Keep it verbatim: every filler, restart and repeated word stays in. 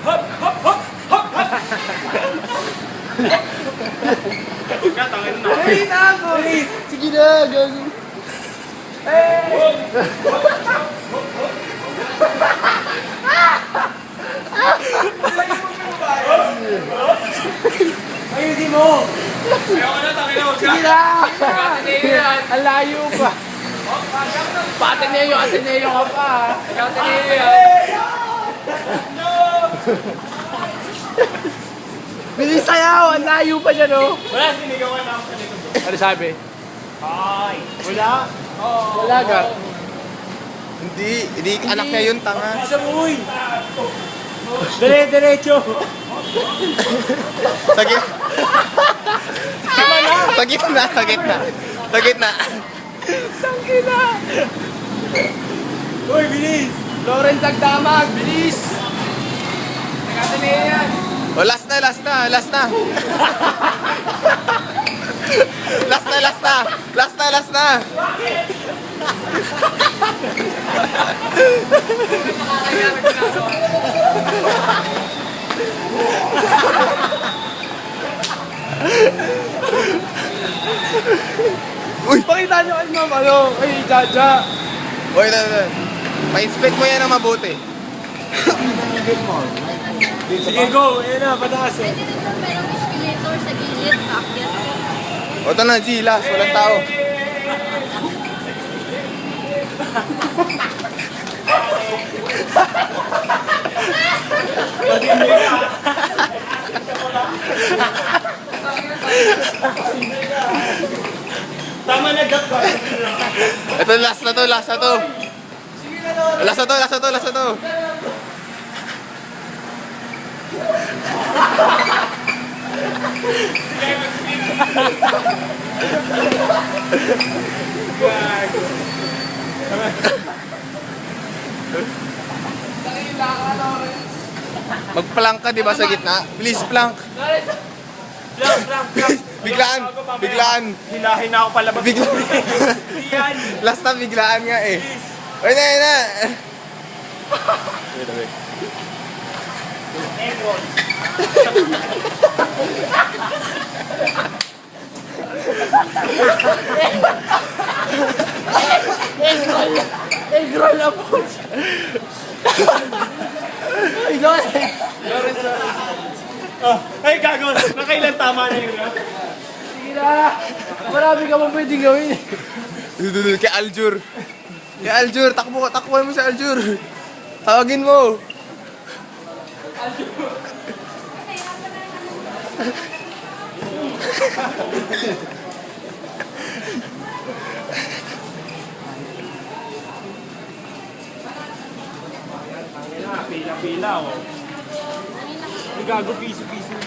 Hop! Hop! Hop! Hop! Hop! Huwag na, tangin na. Hey, nako! Sige na, gago. Hey! Ayusin mo! Ayoko na, tangin na. Huwag Sige na. na! Ang layo pa. Pa-Ateneo, Ateneo ka pa. Ateneo yan. Bilis sayaw! Ang layo pa dyan, oh! Wala, sinigawan na ako sa likod. Ano sabi? Ay. Wala? Wala ka? Hindi, hindi anak niya yun, tanga. Isa mo, uy. Dire-diretso. Sa gitna. Sa gitna, sa gitna. Sa gitna. Tangina! Uy, bilis. Lawrence Agdamag, bilis! Nag-Ateneo yan! O, last na, last na, last na. Last na, last na. Last na, last na. Uy! Pakita nyo kay ma'am, ano, kay Jaja. Uy, na, na. Pa-inspect mo yan ng mabuti. Sige, go. Ayan na, pataas. Pwede rin doon merong escalator sa gilid, paakyat ko. O, ito na, G, last. Walang tao. Tama na, Jack. Ito, last na to, last na to. Last na to, last na to, last na to. Magplank ka, di ba, sa gitna? Please, plank. Plank, plank, plank. Biglaan, biglaan. Hilahin na ako palabas. Biglaan. Hindi yan. Last na, biglaan nga eh. Ayun na, ayun na. Egg roll. Egg roll na po! Ay, Lawrence! Oh, ay, gago. Nakailan tama na yun. Sige na! Marami ka pa pwedeng gawin. Dududud, kay Aljur. Kay Aljur, takbo, takbuhan mo si Aljur. Tawagin mo. Pila-pila, oh. Ay, gago, piso-piso.